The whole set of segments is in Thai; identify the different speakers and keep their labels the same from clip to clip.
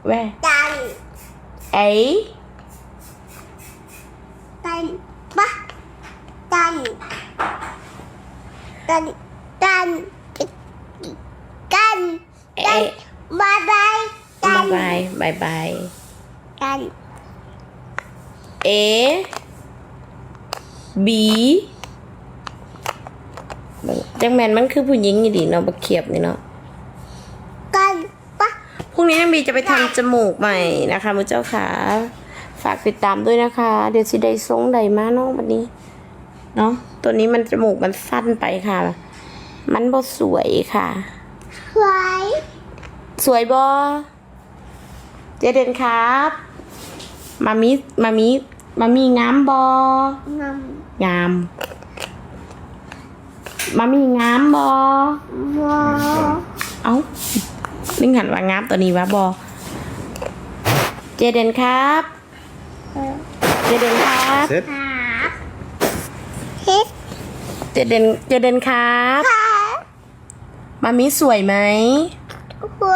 Speaker 1: where
Speaker 2: ตัน
Speaker 1: A
Speaker 2: ตันปะตันตันตันตัน
Speaker 1: A
Speaker 2: บายบายตัน
Speaker 1: bye
Speaker 2: ตัน
Speaker 1: A B จังแมนมันคือผู้หญิงนี่ดิเนาะบักเขียบนี่เนาะ
Speaker 2: กันปะ
Speaker 1: พรุ่งนี้น้องบีจะไปทำจมูกใหม่นะคะมือเจ้าขาฝากติดตามด้วยนะคะ เดี๋ยวสิได้ทรงใดมาน้องวันนี้เนาะตัวนี้มันจมูกมันสั้นไปค่ะ มันบ่สวยค่ะ
Speaker 2: สวย
Speaker 1: สวยบ่เจเดนครับมามีงามบ่
Speaker 2: งาม
Speaker 1: งามมามีงามบ่
Speaker 2: วัว
Speaker 1: เอ้านึกหันว่างามตัวนี้วะบ่เจเดนครับเจเดนครับ
Speaker 3: Sit.
Speaker 2: ขาเฮ็ด
Speaker 1: เจเดนครับ
Speaker 2: ขา
Speaker 1: มามีสวยไหม
Speaker 2: สวย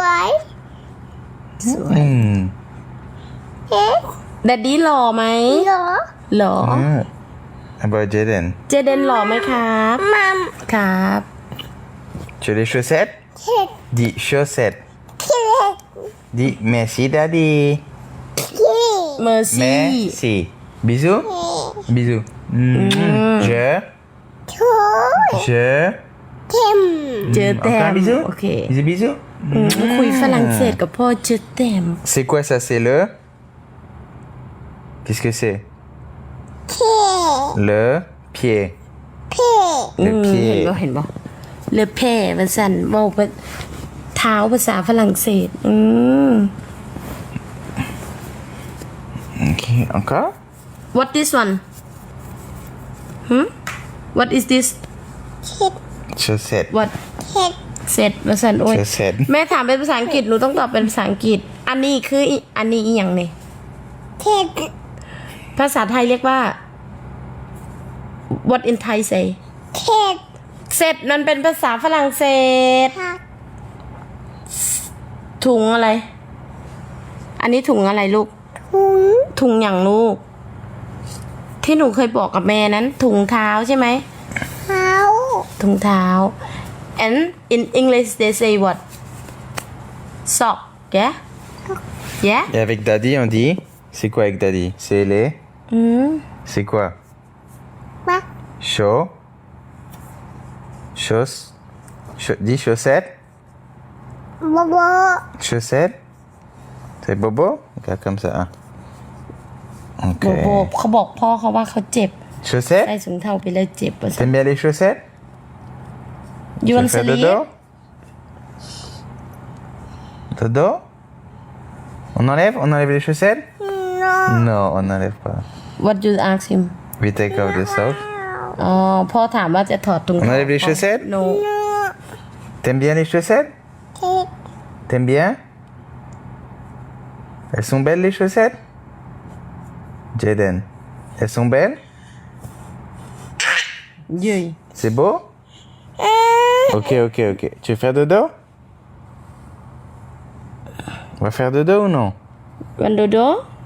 Speaker 3: Mm.
Speaker 2: เฮ็ด
Speaker 1: แดดดี้หล่อไหม
Speaker 2: เหรอ
Speaker 1: หล่อ
Speaker 3: Mm. How about Jaden?
Speaker 1: เจเดนหล่อไหมครับ
Speaker 2: มัม
Speaker 1: ครับ
Speaker 3: Tu as les chaussettes?
Speaker 2: เฮ็ด
Speaker 3: Dis chaussettes.
Speaker 2: เฮ็ด
Speaker 3: Dis merci daddy.
Speaker 2: ที่
Speaker 1: เมอร์ซี่
Speaker 3: Merci. Bisous. Bisous. Je.
Speaker 2: ชู
Speaker 3: Je.
Speaker 2: เข็ม
Speaker 1: เจอแต้
Speaker 3: Encore
Speaker 1: ม
Speaker 3: un bisou?
Speaker 1: โอเค
Speaker 3: Bisous, bisous.
Speaker 1: คุยฝรั่งเศสกับพ่อเจอแต้ม
Speaker 3: C'est quoi ça? C'est le. Qu'est-ce que c'est?
Speaker 2: เท่
Speaker 3: Le pied.
Speaker 2: เท่
Speaker 3: Le pied.
Speaker 1: เห็นบ่เลอแพ่ภาษาเว้าเท้าภาษาฝรั่งเศส
Speaker 3: Ok. Encore?
Speaker 1: What this one What is this
Speaker 3: Chaussettes.
Speaker 1: What
Speaker 2: เฮ็ด
Speaker 1: เสร็จภาษาโอ้ย
Speaker 3: เสร็จ
Speaker 1: แม่ถามเป็นภาษาอังกฤษหนูต้องตอบเป็นภาษาอังกฤษ อันนี้คืออันนี้อีหยังเนี่ย
Speaker 2: เฮ็ด
Speaker 1: ภาษาไทยเรียกว่า What in Thai say
Speaker 2: เฮ็ด
Speaker 1: เสร็จมันเป็นภาษาฝรั่งเศส
Speaker 2: ผัก
Speaker 1: ถุงอะไร อันนี้ถุงอะไรลูก
Speaker 2: ถุง
Speaker 1: ถุงอย่างลูก ที่หนูเคยบอกกับแม่นั้น ถุงเท้าใช่ไหม
Speaker 2: เท้า
Speaker 1: ถุงเท้า and in English they say what sock yeah yeah
Speaker 3: Et avec daddy, on dit. C'est quoi avec daddy? C'est les. C'est quoi?
Speaker 2: ปะ
Speaker 3: Chaud. Dis chaussettes.
Speaker 2: โบโบ
Speaker 3: Chaussettes. C'est bobo? Regarde comme ça. Hein.
Speaker 1: โบ
Speaker 3: Ok.
Speaker 1: โบเขาบอกพ่อเขาว่าเขาเจ็บ ใส่
Speaker 3: Chaussettes?
Speaker 1: ถุงเท้าไปเลยเจ็บว่า
Speaker 3: T'aimes bien les chaussettes?
Speaker 1: ยู
Speaker 3: Tu
Speaker 1: วัน
Speaker 3: veux
Speaker 1: ส
Speaker 3: faire
Speaker 1: ลี
Speaker 3: dodo? Dodo? On enlève? On enlève les chaussettes?
Speaker 2: โน
Speaker 3: Non, on n'enlève pas.
Speaker 1: what you ask him
Speaker 3: We take off the socks.
Speaker 1: อ๋อพ่อถามว่าจะถอดถุง
Speaker 3: On
Speaker 1: เท้า
Speaker 3: enlève les chaussettes?
Speaker 1: no
Speaker 3: T'aimes bien les chaussettes?
Speaker 2: เฮ็ด
Speaker 3: T'aimes bien? Elles sont belles les chaussettes? Jaden. Elles sont belles?
Speaker 1: ยืย
Speaker 3: C'est beau? Ok. Tu veux faire dodo? On va faire dodo ou non?
Speaker 1: วันโดโด